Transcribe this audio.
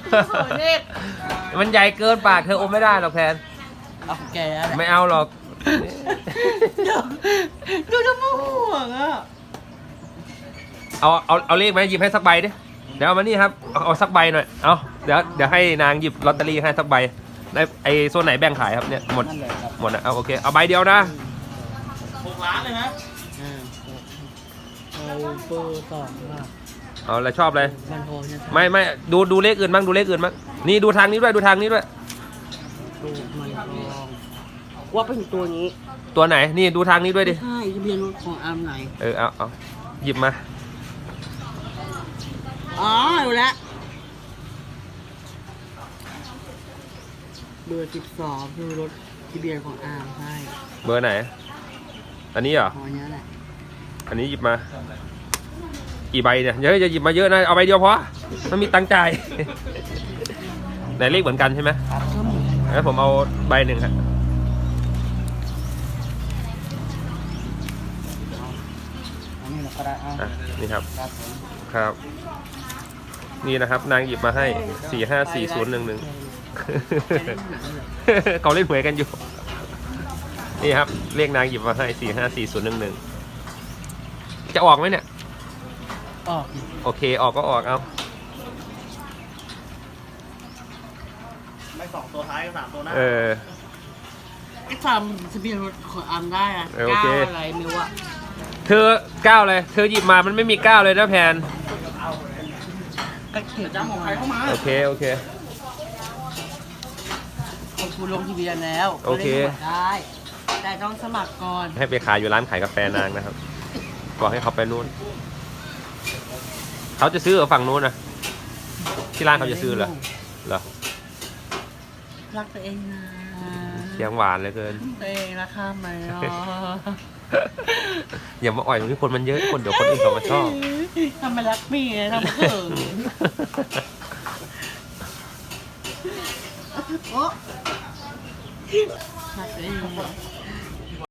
เด็กมันใหญ่เกินปากเธออมไม่ได้หรอกแพนเอาแกไม่เอาหรอกดูจะมาห่วงอ่ะเอาเลขมาหยิบให้สักใบดิเดี๋ยวเอามานี่ครับเอาสักใบหน่อยเอาเดี๋ยวให้นางหยิบลอตเตอรี่ให้สักใบในไอ้โซนไหนแบ่งขายครับเนี่ยหมดนั่นเลยครับหมดนะเอาโอเคเอาใบเดียวนะ 6 ล้านเลยนะเอาเบอร์2มาเอาอะไรชอบเลยมันโทรใช่ไหมไม่ดูเลขอื่นบ้างดูเลขอื่นบ้างนี่ดูทางนี้ด้วยดูทางนี้ด้วยดูมันทองว่าเป็นตัวนี้ตัวไหนนี่ดูทางนี้ด้วยดิใช่ทะเบียนรถของอาร์มไหนเอาหยิบมาอ๋อรู้แล้วเบอร์12คือรถทะเบียนของอาร์มใช่เบอร์ไหน อันนี้เหรออ๋อเนี้ยแหละอันนี้หยิบมากี่ใบเนี่ยเยอะจะหยิบมาเยอะนะเอาใบเดียวพอมันมีตังค์จ่าย ไหนเลขเหมือนกันใช่ไหมครับก็หมดงั้นผมเอาใบหนึ่งครับอันนี้เราก็ได้เอาอ่ะนี่ครับครับผมครับ นี่นะครับนางหยิบมาให้454011 เขาเล่นหวยกันอยู่ นี่ครับเลขนางหยิบมาให้454011จะออกไหมเนี่ยออกโอเคออกก็ออกเอาไม่2 ตัวท้ายกับ3 ตัวหน้าไอ้จำทะเบียนรถของอาร์มได้อะโอเคก้าวอะไรมิวอะเธอก้าวเลยเธอหยิบมามันไม่มีก้าวเลยนะแพนก็เขียนจ้าของใครเข้ามาโอเคโอเคของคุณลงทะเบียนแล้วโอเคก็ลยตรวจได้ แต่ต้องสมัครก่อนให้ไปขายอยู่ร้านขายกาแฟนางนะครับบอกให้เขาไปนู่นเขาจะซื้อเหรอฝั่งนู้นนะที่ร้านเขาจะซื้อเหรอเหรอรักตัวเองนะเสียงหวานเหลยเกินตัวเองราคาไหมอ่ะอย่ามาอ่อยตรงที่คนมันเยอะคนเดี๋ยวคนอื่นเขามาชอบทำไมรักเมียทำไมเขินโอ๊ะรักตัวเอง